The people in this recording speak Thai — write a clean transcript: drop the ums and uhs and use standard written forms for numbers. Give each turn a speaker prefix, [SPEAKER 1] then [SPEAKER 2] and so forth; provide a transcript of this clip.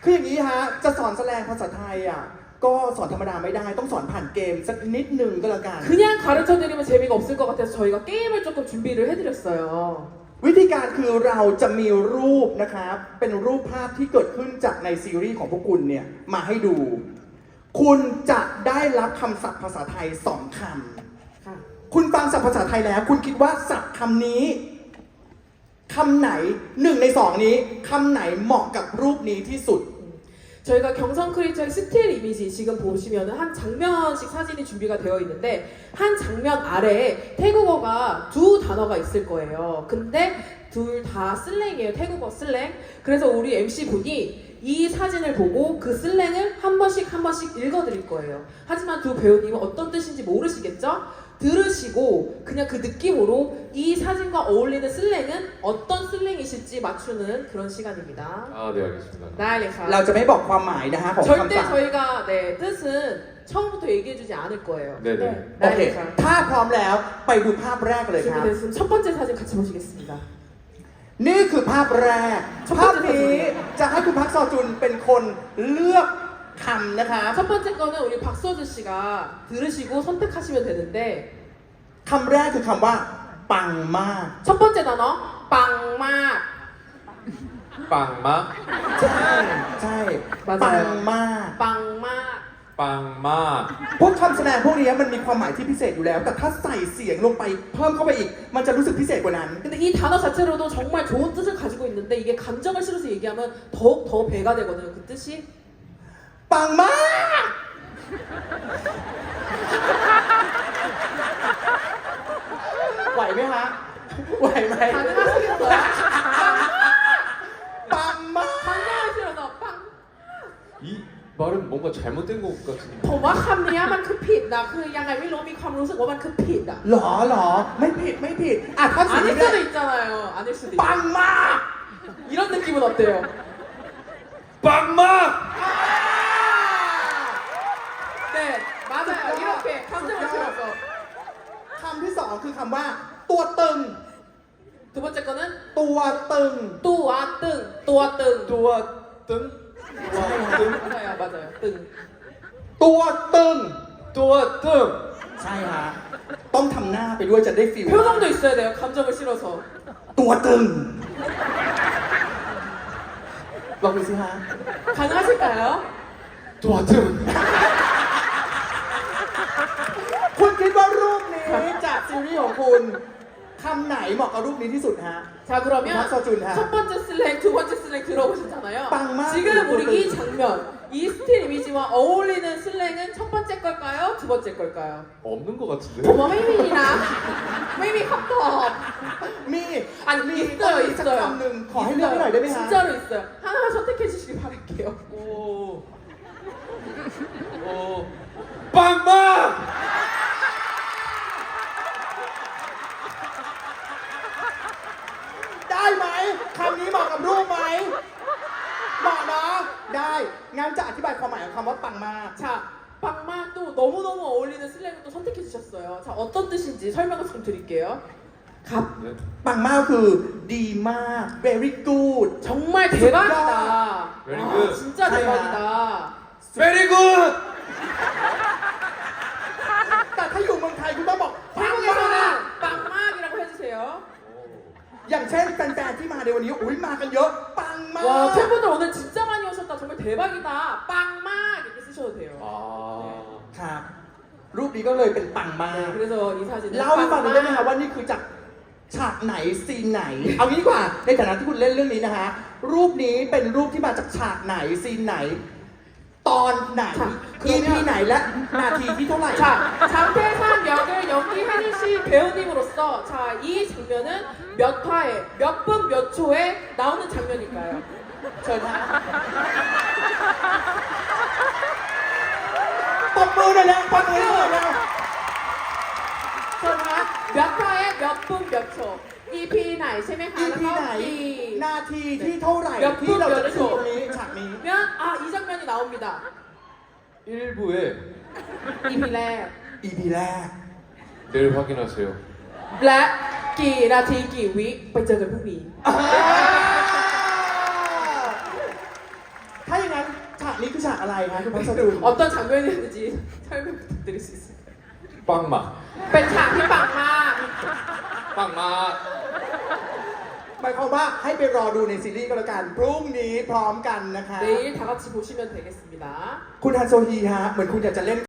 [SPEAKER 1] คืออย่างนี้ฮะจะสอนแสดงภาษาไทยอ่ะก็สอนธรรมดาไม่ได้ต้องสอนผ่านเกมสักนิดหนึ่งก็แล้วกัน
[SPEAKER 2] 그냥 가르쳐드리면 재미가 없을 것 같아서 저희가 게임을 조금 준비를 해드렸어요.
[SPEAKER 1] วิธีการคือเราจะมีรูปนะครับเป็นรูปภาพที่เกิดขึ้นจากในซีรีส์ของพวกคุณเนี่ยมาให้ดู คุณจะได้รับคำศัพท์ภาษาไทย2 คำคุณฟังศัพท์ภาษาไทยแล้ว คุณคิดว่าศัพท์คำนี้คำไหน1 ใน 2นี้คำไหนเหมาะกับรูปนี้ที่สุด
[SPEAKER 2] 저희가 경성 크리처의 스틸 이미지 지금 보시면은 한 장면씩 사진이 준비가 되어 있는데 한 장면 아래에 태국어가 2 단어가 있을 거예요. 근데 둘 다 슬랭이에요. 태국어 슬랭. 그래서 우리 MC 분이 이 사진을 보고 그 슬랭을 한 번씩 읽어드릴 거예요. 하지만 두 배우님은 어떤 뜻인지 모르시겠죠? 들으시고 그냥 그 느낌으로 이 사진과 어울리는 슬랭은 어떤 슬랭이실지 맞추는 그런 시간입니다.
[SPEAKER 3] 아, 네, 알겠습니다.
[SPEAKER 2] ได้เลยค่ะ
[SPEAKER 1] เราจะไม่บอกความหมายนะฮะของ
[SPEAKER 2] 절대
[SPEAKER 1] คำศัพท์
[SPEAKER 2] 저희가 네, 뜻은 처음부터 얘기해주지 않을 거예요.
[SPEAKER 3] 네네.
[SPEAKER 1] โอเค
[SPEAKER 2] ได้เลยค่ะ
[SPEAKER 1] ถ้าพร้อมแล้วไปดูภาพแรกเลยครับ
[SPEAKER 2] 준비됐으면 첫 번째 사진 같이 보시겠습니다.
[SPEAKER 1] นี่คือภาพแรก ภาพนี้จะให้คุณพักซอจุนเป็นคนเลือกคำนะครับ
[SPEAKER 2] 첫 번째 거는 우리 박서준 씨가 들으시고 선택하시면 되는데
[SPEAKER 1] คำแรกคือคำว่า ปังมาก
[SPEAKER 2] 첫 번째 단어 빵막
[SPEAKER 3] 빵막,
[SPEAKER 1] ใช่ใช่
[SPEAKER 2] 맞아요.
[SPEAKER 1] ปังมาก
[SPEAKER 2] 빵막
[SPEAKER 3] 빵막.
[SPEAKER 1] พวกคำแสดงพวกนี้มันมีความหมายที่พิเศษอยู่แล้ว แต่ถ้าใส่เสียงลงไปเพิ่มเข้าไปอีก มันจะรู้สึกพิเศษกว่านั้น
[SPEAKER 2] 근데 이 단어 자체로도 정말 좋은 뜻을 가지고 있는데 이게 감정을 실어서 얘기하면 더욱 더 배가 되거든요. 그 뜻이
[SPEAKER 1] ปังมากไหวไหมฮะไหวไหม
[SPEAKER 2] 가능하시겠어요?
[SPEAKER 1] ปังมาก
[SPEAKER 2] 감정을 실어서 빵
[SPEAKER 3] 이 말은 뭔가 잘못된 것 같은데.
[SPEAKER 2] ผมว่าคำนี้มันคือผิดนะคือยังไงไม่รู้มีความรู้สึกว่ามันคือผิดอ่ะ
[SPEAKER 1] หรอไม่ผิดไม่ผิดอ่ะถ้าสิ่ง
[SPEAKER 2] 아닐
[SPEAKER 1] นี้
[SPEAKER 2] 수도 있잖아요. 아닐 수도
[SPEAKER 1] ปัง
[SPEAKER 2] 있어요.
[SPEAKER 1] มาก
[SPEAKER 2] 이런 느낌은 어때요?
[SPEAKER 3] 빵막!
[SPEAKER 2] 네, 맞아요. 이렇게 감정을 실어서.
[SPEAKER 1] คำที่สองคือคำว่า ตัวตึง
[SPEAKER 2] 두 번째 거는
[SPEAKER 1] ตัวตึง
[SPEAKER 2] 또와 ตึง ตัวตึง
[SPEAKER 3] 또와 뜬?
[SPEAKER 2] 맞아요, 맞아요. ตึง.
[SPEAKER 1] ตัวตึง
[SPEAKER 3] 또와 뜬!
[SPEAKER 1] ใช่ฮะต้องทำหน้าไปด้วยจะได้ฟีล
[SPEAKER 2] 표정도 있어야 돼요. 감정을 실어서.
[SPEAKER 1] ตัวตึงลองดูสิฮะ
[SPEAKER 2] 가능하실까요?
[SPEAKER 3] 또와 뜬!
[SPEAKER 1] คุณคิดว่ารูปนี้จากซีรีส์ของคุณคำไหนเหมาะกับรูปนี้ที่สุดฮะ
[SPEAKER 2] 자 그러면
[SPEAKER 1] 박서준 하.
[SPEAKER 2] 첫 번째 슬랭, 두 번째 슬랭 들어보셨잖아요.
[SPEAKER 1] 빵만
[SPEAKER 2] 지금 우리
[SPEAKER 1] 그거를.
[SPEAKER 2] 이 장면, 이 스틸 이미지와 어울리는 슬랭은 첫 번째 걸까요? 두 번째 걸까요?
[SPEAKER 3] 없는 것 같은데?
[SPEAKER 2] 어머 혜민이나 혜민 컵컵
[SPEAKER 1] มี
[SPEAKER 2] 아니
[SPEAKER 1] มี
[SPEAKER 2] 있어요
[SPEAKER 1] อีกสัก
[SPEAKER 2] 있어요
[SPEAKER 1] คำหนึ่งขอให้เลือกให้หน่อยได้ไหมฮะ
[SPEAKER 2] 진짜로 있어요. 하나만 선택해 주시길 바랄게요.
[SPEAKER 3] 오. 어. 빵막!
[SPEAKER 1] ได้ไหมคำนี้เหมาะกับรูปไหมเหมาะเนาะได้งั้นจะอธิบายความหมายของคำว่าปังมาก
[SPEAKER 2] 자 빵마도 너무너무 어울리는 슬랭을 또 선택해 주셨어요. 자 어떤 뜻인지 설명을 좀 드릴게요. 갑
[SPEAKER 1] ปังมากคือดีมาก very good
[SPEAKER 2] 정말 대박이다.
[SPEAKER 3] Very
[SPEAKER 2] 아,
[SPEAKER 3] good.
[SPEAKER 2] 진짜
[SPEAKER 1] 사이야.
[SPEAKER 2] 대박이다.
[SPEAKER 3] Very good!
[SPEAKER 1] แต่ถ้าอยู่เมืองไทยคุณต้องบอกปังมาก
[SPEAKER 2] 태국에서는 빵막이라고 해주세요.
[SPEAKER 1] อย่างเช่นแฟนๆที่มาในวันนี้อุ้ยมากันเยอะปังมาก
[SPEAKER 2] 와 팬분들 오늘 진짜 많이 오셨다. 정말 대박이다. 빵막 이렇게 쓰셔도 돼요.
[SPEAKER 3] 아.
[SPEAKER 1] ครับรูปนี้ก็เลยเป็นปังมาก
[SPEAKER 2] 네, 그래서 이 사진은
[SPEAKER 1] เล่าให้ฟังหน่อยได้ไหมคะ
[SPEAKER 2] 빵막.
[SPEAKER 1] ว่านี่คือจากฉากไหนซีนไหน เอางี้ดีกว่าในฐานะที่คุณเล่นเรื่องนี้นะฮะรูปนี้เป็นรูปที่มาจากฉากไหนซีนไหน ตอนไหน EP ไหนและนาทีที่เท่าไหร่
[SPEAKER 2] 자 장태산 역을 연기해주신 배우님으로서 자 이 장면은 몇 화에 몇 분 몇 초에 나오는 장면일까요?
[SPEAKER 1] เชิญฮะปมมือเลยนะปมมือเลยนะ
[SPEAKER 2] 전화 몇 화에 몇 분 몇 초. EP ไหนใช่ไหมคะ
[SPEAKER 1] EP ไหน
[SPEAKER 2] แล้วก็ E
[SPEAKER 1] นาทีที่เท่าไหร่
[SPEAKER 2] เดี๋ยว
[SPEAKER 1] ที่เราจะได้
[SPEAKER 2] พู
[SPEAKER 1] ดู
[SPEAKER 2] ด
[SPEAKER 1] ตรงนี้ฉากนี้
[SPEAKER 2] 면 아 이 장면이 나옵니다.
[SPEAKER 3] 1부에
[SPEAKER 2] EP แรก
[SPEAKER 1] EP แรก
[SPEAKER 3] 내일 확인하세요.
[SPEAKER 2] และกี่นาทีกี่วิไปเจอกันพรุ่งนี้
[SPEAKER 1] ถ้าอย่างนั้นฉากอะไรคะคุณพัชรุน
[SPEAKER 2] 어떤 장면이었는지 설명 부탁드릴 수 있어요?
[SPEAKER 3] 빵막
[SPEAKER 2] เป็นฉากที่ปังมาก
[SPEAKER 3] 빵막
[SPEAKER 1] หมายความว่าให้ไปรอดูในซีรีส์ก็แล้วกันพรุ่งนี้พร้อมกันนะคะ
[SPEAKER 2] 내일 다 같이 보시면 되겠습니다.
[SPEAKER 1] คุณฮันโซฮีฮะเหมือนคุณอยากจะเล่น